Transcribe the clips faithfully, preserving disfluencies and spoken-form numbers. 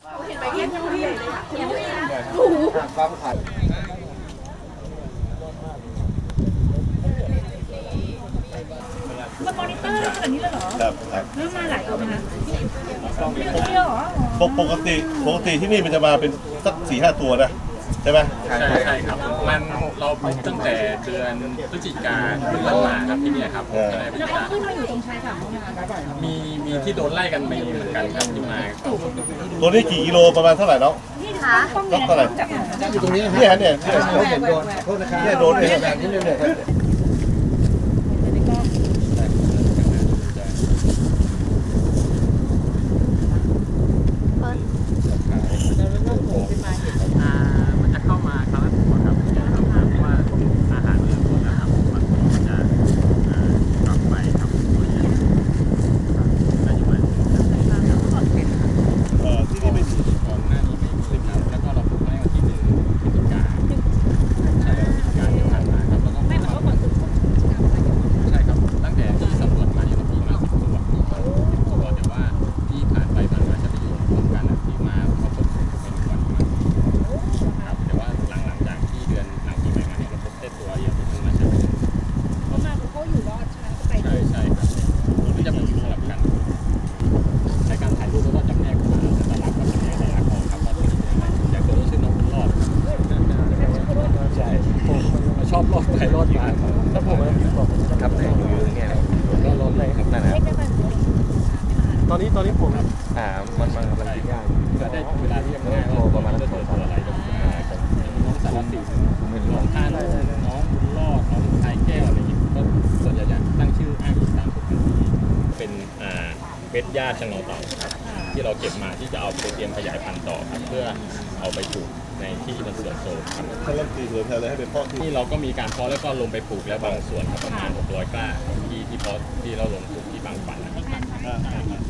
เห็นไปเยี่ยมยังไม่เลยยังไม่เลยโอ้โหความขันมันมอนิเตอร์ขนาดนี้เลยเหรอครับครับแล้วมาหลายตัวไหมคะเดียวเหรอปกติปกติที่นี่มันจะมาเป็นสักสี่ห้าตัวนะใช่ไหมใช่ใช่ครับมันเราปลูกตั้งแต่เดือนพฤศจิกาเป็นต้นมาครับที่นี่ครับก็เลยเป็นแล้วเขาการขึ้นมาอยู่ตรงชายฝั่งนู้นนะคะมีมีที่โดนไล่กันมีเหมือนกันครับที่มาก็ตัวนี้กี่กิโลประมาณเท่าไหร่เนาะนี่ค่ะต้องต้องเท่าไหร่จากอยู่ตรงนี้นะเนี่ยเนี่ยเนี่ยเขาเห็นโดนโทษนะครับเนี่ยโดนเนี่ยแบบนี้เลยเนี่ยอ่ามันจะเข้ามาครั้งละตัวครับเพราะว่าอาหารเริ่มต้นนะครับมันก็จะอ่ากลับไปครับตัวใหญ่ได้อยู่ไหมเอ่อที่นี่ไม่มีก่อนหน้านี้ไม่มีครับแล้วก็เราปลูกไว้วันที่หนึ่งพฤศจิกาใช่พฤศจิกาที่ผ่านมาครับแล้วก็ไม่เหมือนว่าเหมือนใช่ครับตั้งแต่ที่สำรวจมาเนี่ยเรามีมาสิบตัวสิบตัวแต่ว่าที่ผ่านไปผ่านมาจะไปอยู่รวมกันที่มาเขาพบเป็นวันมาครับแต่ว่าหลังหลังจากที่เดือนหลังปีใหม่มาเนี่ยเราพบได้ตัวเดียวที่เพิ่งมาใช้เขามาเขาอยู่รอดใช่ไหมก็ไปใช่ใช่ครับมันจะเป็นสลับกันในการถ่ายรูปแล้วก็จำแนกมาแต่ละกับจำแนกแต่ละกองครับว่าตัวนี้เป็นอะไรอย่างตัวนี้ชื่อน้องบุญรอดใช่ผมชอบรอดไปรอดมาแล้วผมครับไหนอยู่อย่างเงี้ยก็รอดเลยครับนั่นแหละตอนนี้ตอนนี้ผมอ่ามันมันมันกินง่ายจะได้เวลาเรียกง่ายว่าประมาณจะตัวอะไรก็น้องสารสินน้องท่านน้องบุญรอดน้องชายแก้วอะไรอย่างเงี้ยก็ส่วนใหญ่จะตั้งชื่ออ้างอิงตามสุพรรณบุรีเป็นอ่าเม็ดหญ้าชะโนเต่าครับที่เราเก็บมาที่จะเอาไปเตรียมขยายพันธุ์ต่อครับเพื่อเอาไปปลูกในที่มันเสื่อมโทรมครับถ้าเริ่มตีสวนแทนเลยให้เป็นพ่อที่ที่เราก็มีการเพาะแล้วก็ลงไปปลูกแล้วบางส่วนครับประมาณหกร้อยกล้าที่ที่เพาะที่เราลงปลูกที่บางฝันนะครับอ่าอ่าอ่า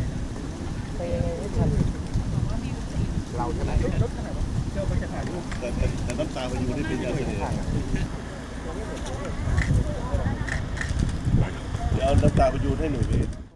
เราใช่ไหมแต่แต่แต่น้ำตาพายุนี่เป็นยังไงเนี่ยเดี๋ยวเอาน้ำตาพายุให้หนูไป